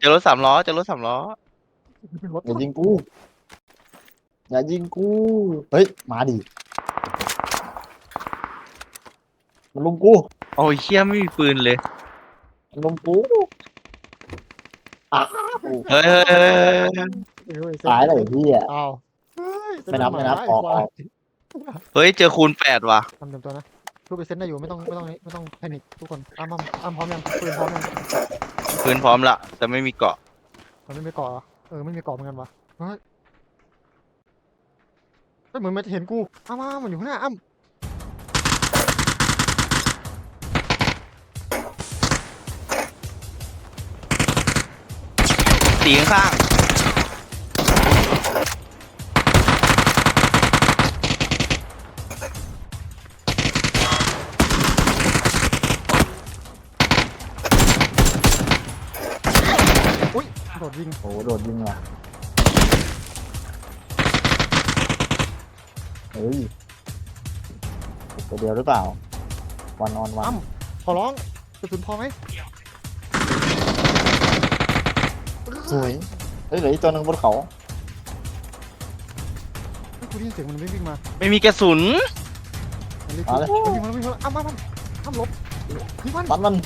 เจอรถสามล้อเจอรถสามล้อรถอย่ายิงกูอย่ายิงกูเฮ้ยมาดิมันลุมกูโอ้ยเชี่ยไม่มีปืนเลยมันลุมกูอ้าวเฮ้ยเฮ้ยเฮ้ยเฮ้ยตายเลยพี่อ่ะอ้าวไม่นับไม่นับไอ้ออกควาอย อกเฮ้ยเจอคูณ8ว่ะทำเต็มตัวนะทุบไปเซ็นได้อยู่ไม่ต้องแพนิคทุกคนอ้ำพร้อมยังปืนพร้อมยังปืนพร้อมละแต่ไม่มีเกราะมันไม่มีเกาะเหรอไม่มีเกาะเหมือนกันวะเฮ้ยเหมือนมันจะเห็นกูอ้ำมันอยู่ข้างหน้าอ้ำตีข้างอุ้ยโดดยิงโอ้โหโดดยิงว่ะเฮ้ยตัวเดียวหรือเปล่าวันออนวันขอร้องกระสุนพอไหมสวยเฮ้ยเหลืออีกตัวหนึ่งบนเขาเฮ้ยกูได้ยินเสียงมันวิ่งมาๆไม่มีกระสุนมันวิ่งมาอ้ำหลบยิงมันปันมัน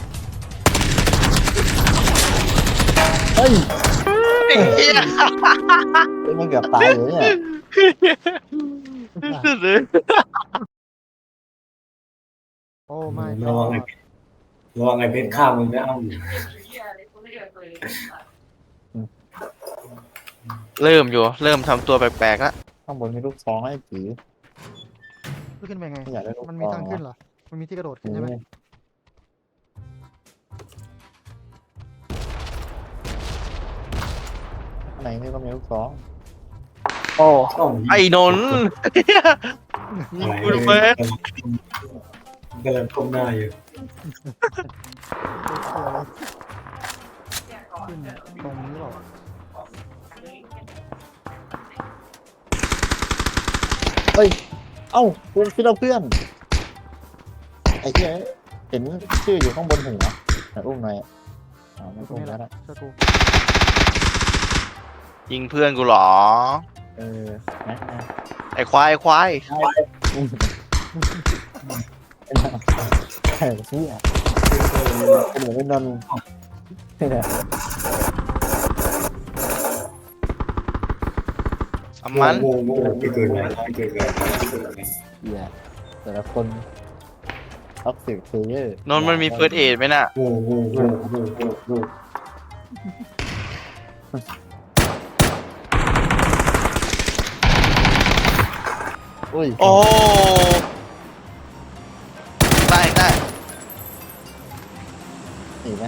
เฮ้ยไอ้เหี้ยเฮ้ยมันเกือบตายเลยเนี่ยสุดเลยโอ้ไม่ระวังไอ้เพชรข้ามมึงนะเอ้าเริ่มทำตัวแปลกๆแล้วข้างบนมีลูกซองให้ผีขึ้นไปไงไม่อยากได้ลูกมันซมีองทางขึ้นเหรอมันมีที่กระโดดขึ้นใช่ไหมข้างในนี่ก็มีลูกซองเอ้าไอ้นนท์ยิงกูทำไมกำลังก้มหน้าอยู่ขึ้นตรงนี้หรอเฮ้ยเอ้าคุณพี่เราเพื่อนไอ้เหี้ยเห็นชื่ออยู่ข้างบนหัวแต่อุ้มหน่อยไม่ตรงอุ้มนี้แหแล้วละนะเชื่อกูยิงเพื่อนกูเหรอเออนะไอ้ควายไอ้ควายไอ้เหี้ยเป็นเหมือนเป็นนนท์เนี่ยสมันโง่ที่เกินไปที่เกินไปที่เกินไปเหี้ยแต่ละคนท็อกซิกเพลเยอร์นนท์มันมีเฟิร์สเอดไหมน่ะโง่อุ้ยโอ้ได้ได้หนีไหม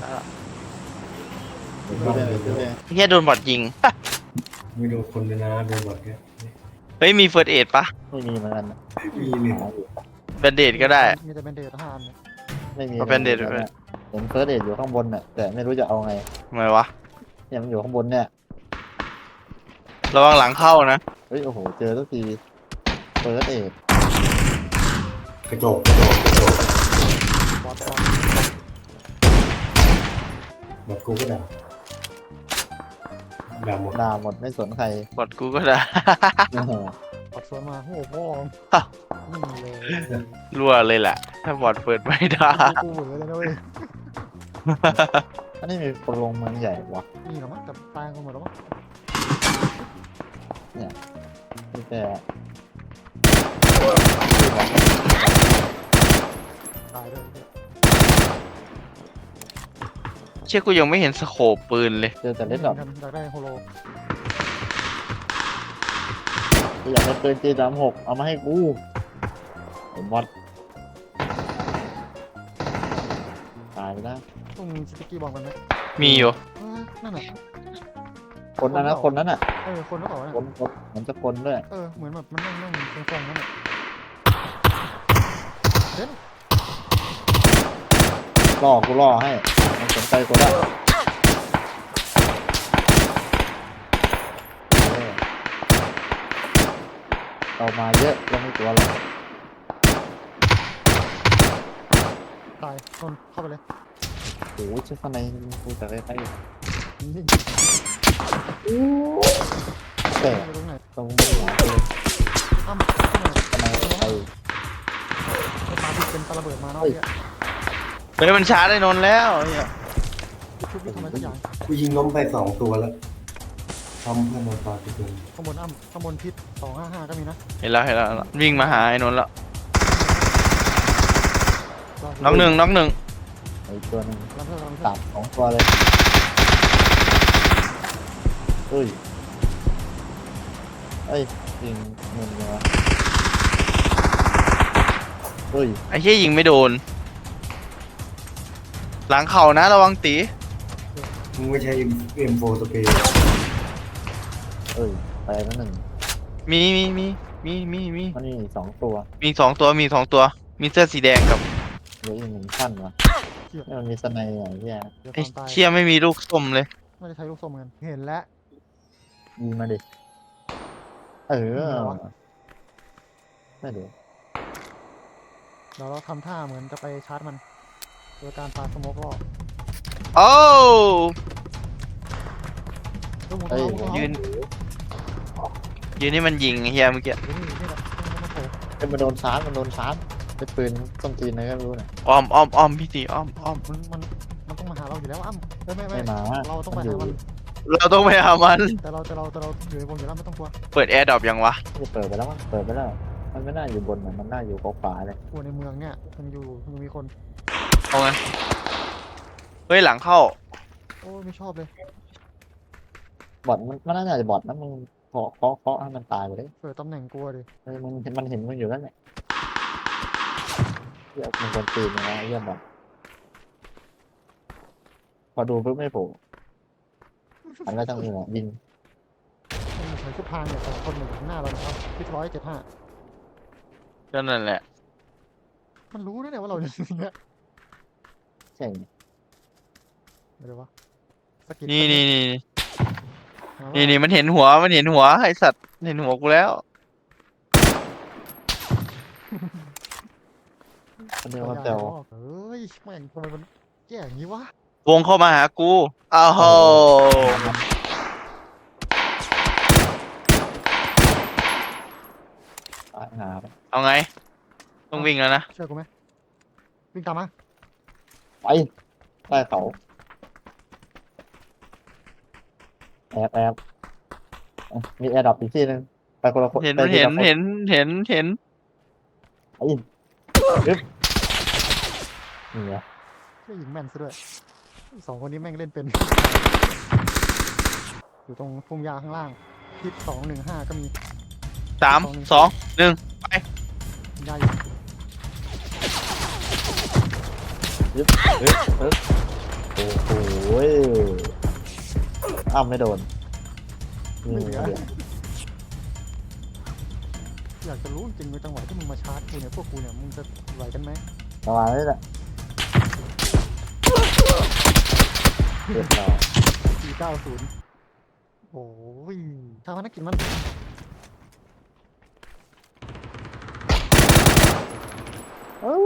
ดูเลยดูเลยเฮียโดนบอดยิงไม่โดนคนเลยนะโดนบอดเนี่ยเฮ้ยมีเฟิร์สเอดปะไม่มีเหมือนกันมีหนึ่งแบนเดดก็ได้มีแต่เป็นเดท5 อันเนี่ยไม่มีเอาเป็นเดทด้วยเห็นเฟิร์สเดทอยู่ข้างบนน่ะแต่ไม่รู้จะเอาไงทำไมวะเนี่ยมันอยู่ข้างบนเนี่ยระวังหลังเข้านะเฮ้ยโอ้โหเจอสักทีเฟิร์สเดทกระโจกบอสหมดกูก็ด่าหมดด่าหมดไม่สนใครบอดกูก็ได้โอ้โหบอสสวนมาโอ้โหพ่อนี่เลยรั่วเลยแหละ ถ้าบอดเปิดไม่ได้กูเหวอเลยนะเว้ยอันนี้มีโปรงเมืองใหญ่วะนี่เหรอมั้งแต่ตายกันหมดแล้วมั้งมีแต่ตายด้วยเชื่อกูยังไม่เห็นสโคปปืนเลยเจอแต่เล่นดอกอยากได้โฮโลอยากได้ปืนG36เอามาให้กูไอ้มอดตายไปแล้วต้องมีสติกกี้บอกกันไหมมีอยู่นั่นน่ะคนนั้นนะคนนั้นน่ะคนแล้วเปล่าวะเนี่ยคนมันจะคนด้วยเหมือนแบบมันนั่งเป็นฟองนั่นแหละกูล่อให้มันสนใจกูได้เรามาเยอะเราไม่กลัวหรอกตายนนเข้าไปเลยโอ้โหเชื่อข้างในกูจะใกล้นิ่งแต่ๆอยู่ตรงไหนตรงนี้หลังเลยอ้ำตรงไหนทำไมไอ้ไอ้ปลาที่เป็นปลาระเบิดมาเนาะเนี่ยเฮ้ยมันชาร์จไอ้นนท์แล้วเนี่ยชุบวิ่งทำไมสักอย่างกูยิงล้มไป2 ตัวแล้วทำเพื่อนมาตายทุกคนข้างบนอ้ำข้างบนทิศ255ก็มีนะเห็นแล้ววิ่งมาหาไอ้นนท์แล้วรอน็อกหนึ่งไอ้ตัวหนึงรอเพื่อนรอเพื่อนตัด2 ตัวเลยเฮ้ยเอ้ยยิงเงินเลยวะเฮ้ยไอ้เหี้ยยิงไม่โดน หลังเข่านะระวังตีมึงไม่ใช่ M4 สเปรย์เอ้ยไปแล้วหนึ่งมีมันนี่2 ตัวมีสองตัวมีเสื้อสีแดงกับเหลืออีก1 ขั้นวะนี่มันมีสไนด์อย่างเงี้ยเดี๋ยวไอ้ความตายเชี่ยไม่มีลูกส้มเลยไม่ได้ใช้ลูกส้มกันเห็นแล้วยิงมาดิเออยิงเหรอวะไม่เดี๋ยวเดี๋ยวเราทำท่าเหมือนจะไปชาร์จมันโดยการปาสโมกรอบโอ้ลูกหมูเอ้ยเขายืนนี่มันยิงไอ้เหี้ยเมื่อกี้นี่แหละมันโผล่เป็นมันโดนชาร์จเป็นปืนต้นตีนอะไรก็ไม่รู้เนี่ยอ้อมพี่ตีอ้อมมันต้องมาหาเราอยู่แล้วอ้ำไม่ไม่มาเราต้องไปมันอยู่หามันเราต้องไปหามันแต่เราอยู่ในวงอยู่แล้วไม่ต้องกลัวเปิดแอร์ดรอปยังวะจะเปิดไปแล้วมั้งเปิดไปแล้ว มันไม่น่าอยู่บนน่ะมันน่าอยู่ขวาๆเลยกลัวในเมืองเนี่ยมันมีคนเอาไงเฮ้ยหลังเข้าโอ้ไม่ชอบเลยบอทมันน่าจะบอทนะมึงเคาะให้มันตายไปเลยเปิดตำแหน่งกลัวดิมันเห็นมึงอยู่แล้วเนี่ยเหี้ยมันคนตีนนะเยี่ยมบอทพอดูปุ๊บไม่โผล่อันก็ต้องยิงอ่ะยิงมันเหมือนชุดพรางเนี่ยแต่คนหนึ่งข้างหน้าเรานะครับพิท175 ก็นั่นแหละมันรู้ด้วยเนี่ยว่าเราอยู่ตรงเนี้ยใช่เดี๋ยววะสกิดนี่หาว่านี่มันเห็นหัวไอสัตว์เห็นหัวกูแล้วคนเดียวขมันยายแต่วเฮ้ยแม่งทำไมมันแย่อย่างนี้วะวงเข้ามาหากูอ้าวโหตายหาไปเอาไง ต้องวิ่งแล้วนะเชื่อกูไหมวิ่งตามมาไปใต้เขาแอบอ่ะมีแอร์ดรอปอีกที่นึงไปคนละคนเห็นไปทีละคนไไอ้ยึบนี่ไงช่วยยิงแม่นซะด้วยสองคนนี้แม่งเล่นเป็น อยู่ตรงพุ่มหญ้าข้างล่างทิศ215ก็มี 3 2 1 หญ้าอยู่โอ้โหอ้าวไม่โดนนี่ไม่เหลือเหลืออยากจะรู้จริงๆในจังหวะที่มึงมาชาร์จกูเนี่ยพวกกูเนี่ยมึงจะไหวกันไหมประมาณนี้แหละเรียบร้อย 490โอ้ยชาวพนักกิจมันเอ้า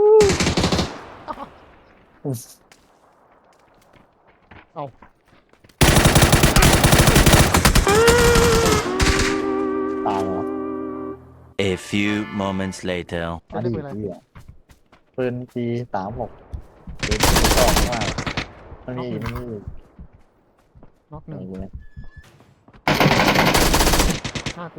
เอาตายแล้ว A few moments later. อันนี้ที่อ่ะปืนปี36ปืนชอบมากมันมีอีกน็อกหไหนนึ่งกูเนี่ยหน้ากู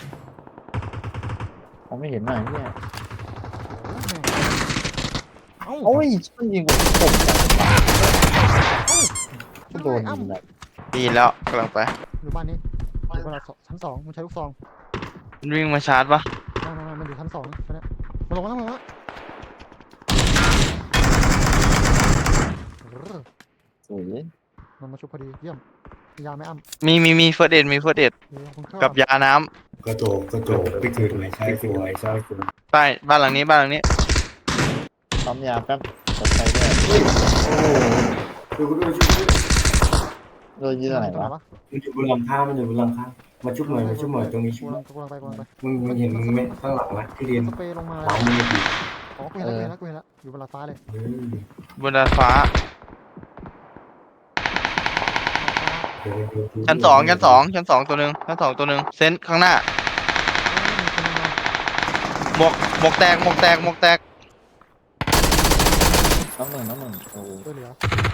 ผมไม่เห็นหน่อยเนี่ยโอ้ยแม่งเอ้าโอ้ยมันยิงกูตกจากบ้านก็โดนอ้ํยิงแบบดีแล้วกำลังไปอยู่บ้านนี้อยู่บ้านเราชั้น2มึงใช้ลูกซองมันวิ่งมาชาร์จปะไม่มันอยู่ชั้น2ตอนเนี้ยมาลงมาแล้วมาลงมาแล้วเออสวยมันมาชุบพอดีเยี่ยมยาไม่อ้ำมีเฟิร์สเอ็ดมีเฟิร์สเอ็ดเดี๋ยวผมเข้ากับยาน้กระโจกไปเกิดใหม่ใช่สวยใช่สวยำใต้บ้านหลังนี้ปั๊มยาแป๊บกดใช้ด้วยดูกูด้วยช่วยด้วยโดนยิงอะไรตรงไหนวะวะมันอยู่บนหลังคามาชุบหน่อยตรงนี้ชุบหน่อยกูกำลังไปมึงเห็นมึงไหมข้างหลังนะที่เรียนสเปรย์ลงมาหลังมึงอยู่อ๋อกูเห็นแล้วอยู่บนลาฟ้าเลยบนดาดฟ้าชั้นสองตัวหนึ่งเซนข้างหน้าหมวกแตกน้ำหนึ่งโอ้โหช่วยเหลือ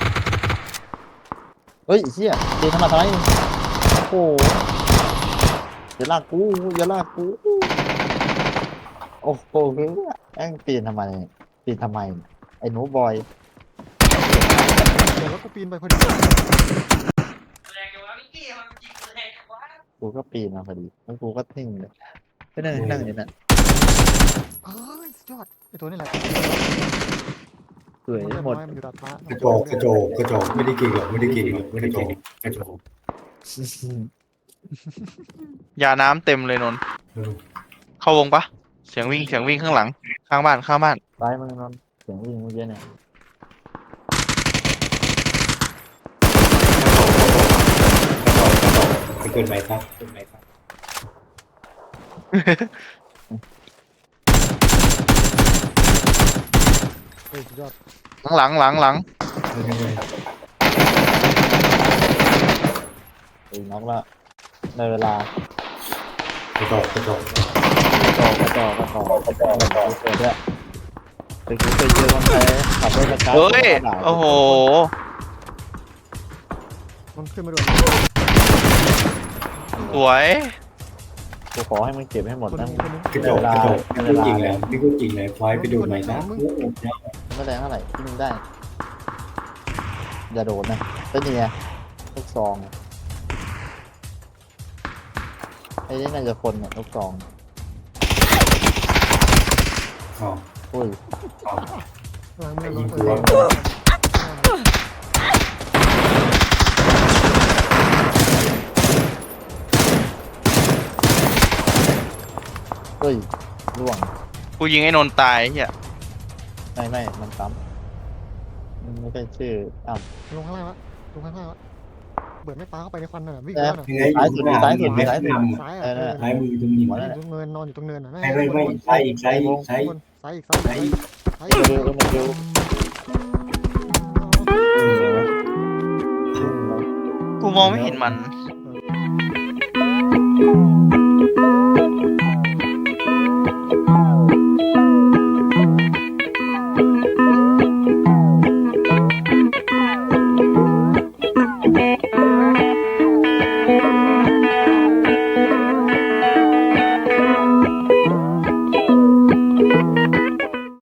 เฮ้ยไอ้เชี่ยเจนทำมาทำไมโอ้โหอย่าลากกูโอ้โหแม่งปีนทำไมไอ้หนูบอยเดี๋ยวแล้วกูปีนไปพอดีกูก็ปีนมาพอดีแล้วกูก็นิ่งเลยก็นั่งอยู่นั่นเอ้ยสุดยอดไอตัวนี่แหละสวยหมดมันอยู่ดาดฟ้ากระโจกไม่ได้กินหรอกกระโจกยาน้ำเต็มเลยนนท์เข้าวงปะเสียงวิ่งข้างหลังข้างบ้านซ้ายมึงนอนเสียงวิ่งเมื่อกี้เนี่ยไปเกินไปครับเฮ้ยสุดยอดหลังไอ้น็อกละในเวลากระโจกกระจอกเกิดด้วยไปกูเคยเจอคนไทยขับรถกระจายเฮ้ยโอ้โหมันขึ้นมาด้วยสวยกูขอให้มึงเก็บให้หมดคนนะนึงคนนึงกระโจกพี่ก็จริงแล้วควายไปดูใหม่นะไม่แรงเท่าไหร่ที่มึงได้อย่าโดนนะเป็นยังไงลูกซองไอ้นี่น่าจะคนเนี่ยลูกซองอ๋ออุ้ยหลังมือยิงเปิตัวดเฮ้ยล่วงกูยิงไอ้นนท์ตายเฮียไม่มันซ้ำมันไม่ใช่ชื่ออ้าวลงข้างล่างละเบิดไม่ปาเข้าไปในควันน่ะวิ่งแล้แล้ว วน่ะซ้ายสุดซ้ายเออ่ะอซ้ายมือตรงนี้หัวอนั่นแหละยู่ตรงเนินนอนอยู่ตรงเนินน่ะไม่ซ้ายอีกซ้ายซ้ายอีกซ้ายอีกมันดูกูมองไม่เห็นมันเ